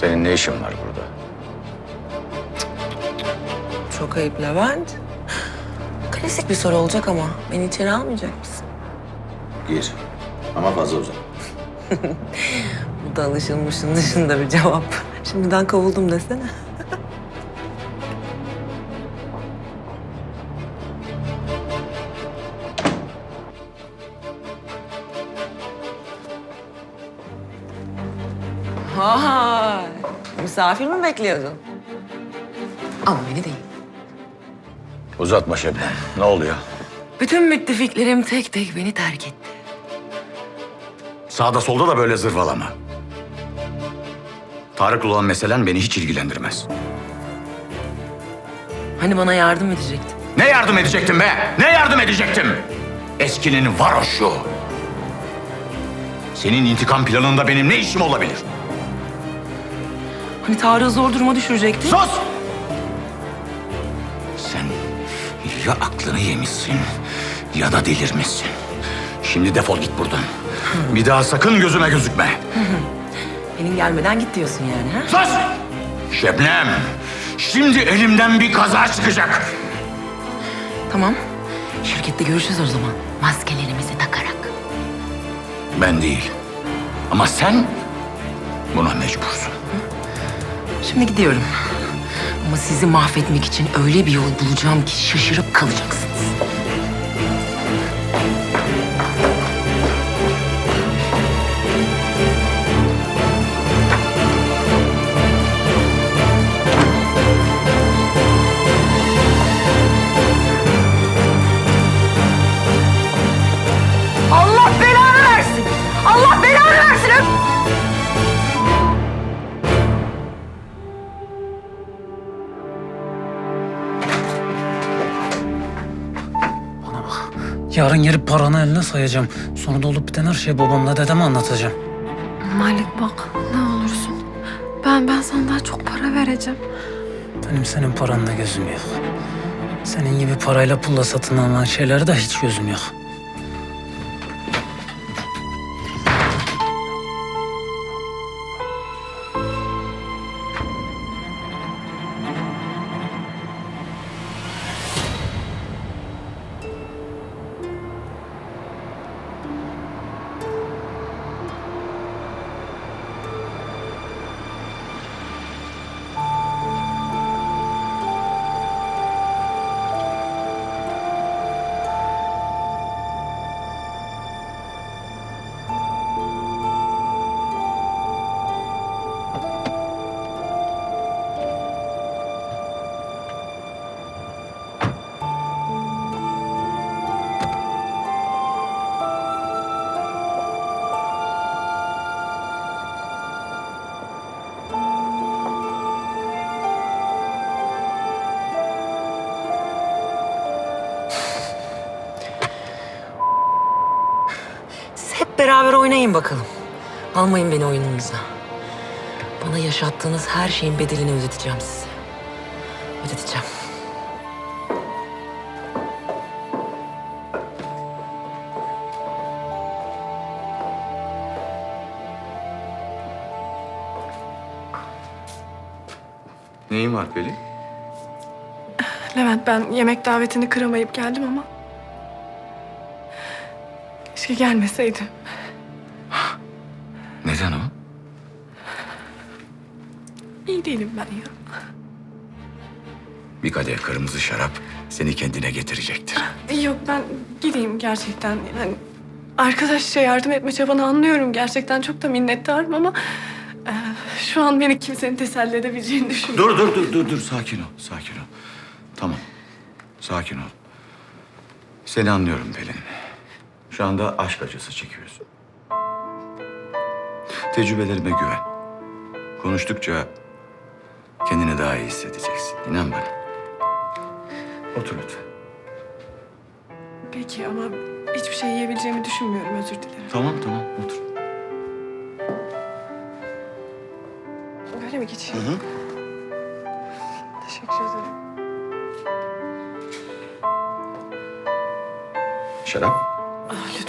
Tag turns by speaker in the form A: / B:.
A: Senin ne işin var burada?
B: Çok ayıp Levent. Klasik bir soru olacak ama beni içeri almayacak mısın?
A: Gir. Ama fazla uzak.
B: Bu da alışılmışın dışında bir cevap. Şimdiden kovuldum desene. Vay! Misafir mi bekliyordun? Ama beni değil.
A: Uzatma Şebnem. Ne oluyor?
B: Bütün müttefiklerim tek tek beni terk etti.
A: Sağda solda da böyle zırvalama. Tarık'la olan meselen beni hiç ilgilendirmez.
B: Hani bana yardım edecektin?
A: Ne yardım edecektim be? Ne yardım edecektim? Eskinin varoşu. Senin intikam planında benim ne işim olabilir?
B: Hani Tarık'ı zor duruma düşürecektin?
A: Sus! Sen ya aklını yemişsin ya da delirmişsin. Şimdi defol git buradan. Bir daha sakın gözüme gözükme.
B: Benim gelmeden git diyorsun yani ha?
A: Sus! Şebnem, şimdi elimden bir kaza çıkacak.
B: Tamam. Şirkette görüşürüz o zaman. Maskelerimizi takarak.
A: Ben değil. Ama sen buna mecbursun.
B: Şimdi gidiyorum. Ama sizi mahvetmek için öyle bir yol bulacağım ki şaşırıp kalacaksınız. Allah belanı versin! Allah belanı versin!
C: Yarın gelip paranı eline sayacağım. Sonra da olup biten her şeyi babamla dedeme anlatacağım.
D: Malik bak ne olursun. Ben sana daha çok para vereceğim.
C: Benim senin paranda gözüm yok. Senin gibi parayla pulla satın alınan şeylerde hiç gözüm yok.
B: Hep beraber oynayın bakalım. Almayın beni oyununuza. Bana yaşattığınız her şeyin bedelini ödeteceğim size. Ödeteceğim.
A: Neyin var Pelin?
D: Levent ben yemek davetini kıramayıp geldim ama... Keşke gelmeseydim.
A: Neden o?
D: İyi değilim ben ya.
A: Bir kadeh kırmızı şarap seni kendine getirecektir.
D: Yok ben gideyim gerçekten. Yani arkadaşça yardım etme çabanı anlıyorum. Gerçekten çok da minnettarım ama... şu an beni kimsenin teselli edebileceğini düşünmüyorum.
A: Dur. Sakin ol, sakin ol. Tamam, sakin ol. Seni anlıyorum Pelin. Şu anda aşk acısı çekiyorsun. Tecrübelerime güven. Konuştukça kendini daha iyi hissedeceksin. İnan bana. Otur lütfen.
D: Peki ama hiçbir şey yiyebileceğimi düşünmüyorum. Özür dilerim.
A: Tamam, otur.
D: Böyle mi geçeyim?
A: Hı hı.
D: Teşekkür ederim.
A: Şarap?
D: Ah,